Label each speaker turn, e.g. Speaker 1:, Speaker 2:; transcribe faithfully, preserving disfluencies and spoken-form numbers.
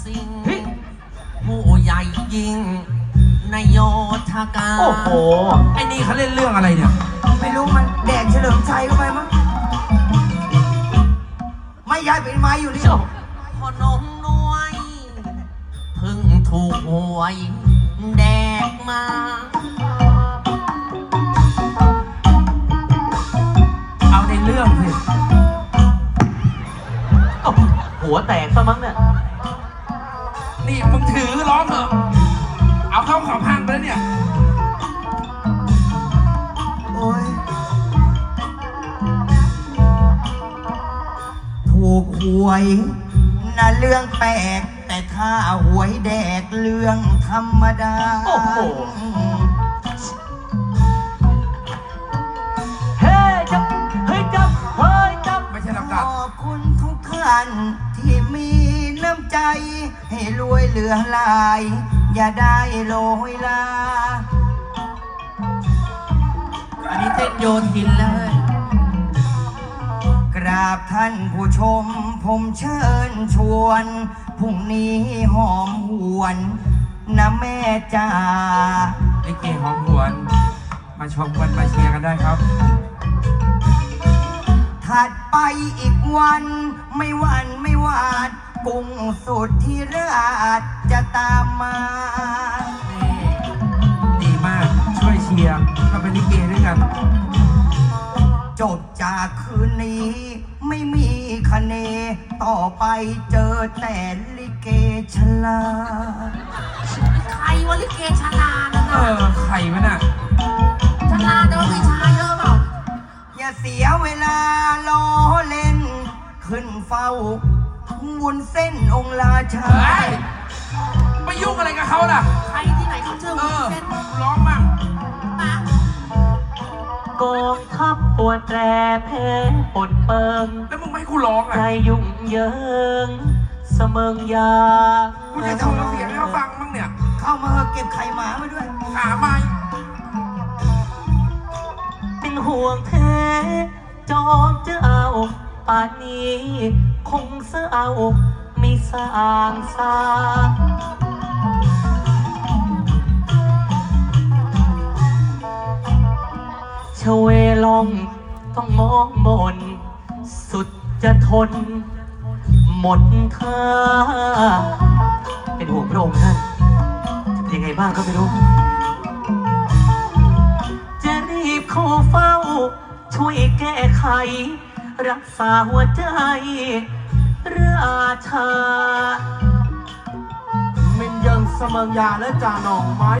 Speaker 1: สิงผู้ใหญ่ยิงนายโยธกา
Speaker 2: โอ้โหไอ้นี่เขาเล่นเรื่องอะไรเนี่ย
Speaker 3: ไม่รู้มันแดกเฉลิมชัยเข้าไปมั้งไม่ย้ายเป็นไม้อยู่นี่
Speaker 1: พอนมนวยเพิ่งถูกหวยแดกมา
Speaker 2: เอาในเรื่องสิ
Speaker 4: หัวแตกซะมั้งเนี่ย
Speaker 2: นี่มึงถือร้องเหรอเอาเข้าขอพังไปแล้วเนี่ย
Speaker 3: โอ้ยถูกหวยน่ะเรื่องแปลกแต่ถ้าหวยแดกเรื่องธรรมดา
Speaker 4: โอ้โหเฮ้ยจับเฮ้ยจับเฮ้ยจับ
Speaker 2: ไม่ใช่ลำ
Speaker 3: ข
Speaker 2: ดับ
Speaker 3: อบคุณทุกท่านที่มีน้ำใจให้รวยเหลือหลายอย่าได้โลยลา
Speaker 1: อันนี้เต้นโยทินเลย
Speaker 3: กราบท่านผู้ชมผมเชิญชวนพรุ่งนี้หอมหวนนะแม่จ๋า
Speaker 2: ลิเกหอมหวนมาชมกันมาเชียร์กันได้ครับ
Speaker 3: ถัดไปอีกวันไม่หวันไม่หวาดกุ้งสุดที่ราชจะตามมา
Speaker 2: ดีมากช่วยเชียร์ก็เป็นลิเกด้วยกัน
Speaker 3: จบจากคืนนี้ไม่มีคะเนต่อไปเจอแต่ลิเกชลา
Speaker 1: ใครวะลิเกชลานะ
Speaker 2: เออใครวะน่ะ
Speaker 1: ชลาแต่ว่าไม่ชายเยอะเปล่า
Speaker 3: อย่าเสียเวลาล้อเล่นขึ้นเฝ้าวุ้นเส้นองค์ราชา
Speaker 2: ไปยุ่งอะไรกับเขาล่ะ
Speaker 1: ใครที่ไหนเขาเชื่อวุ้นเส้น
Speaker 2: ร้องมั่ง
Speaker 4: กองทัพปวดแปรแพ้ปนเปิง
Speaker 2: แล้วมึงไม่ให้กูร้องอ่ะ
Speaker 4: ใจยุ่งเยิงเสมิงยา
Speaker 2: กูจะทำเสียงให้เขาฟังมั่งเนี่ย
Speaker 3: เข้ามาเก็บไข่หมามาด้วย
Speaker 2: หาไม่
Speaker 4: เป็นห่วงแท้จอมจะเอาป่านนี้คงเสื้อเอาไม่สร้างสาชเวลองต้องมองมนสุดจะทนหมดท่าเป็นห่วงพระองค์ท่านจะเป็นยังไงบ้างก็ไม่รู้จะรีบเข้าเฝ้าช่วยแก้ไขรักษาหัวใจราชา
Speaker 2: มันยังสมังยาและจานองไม้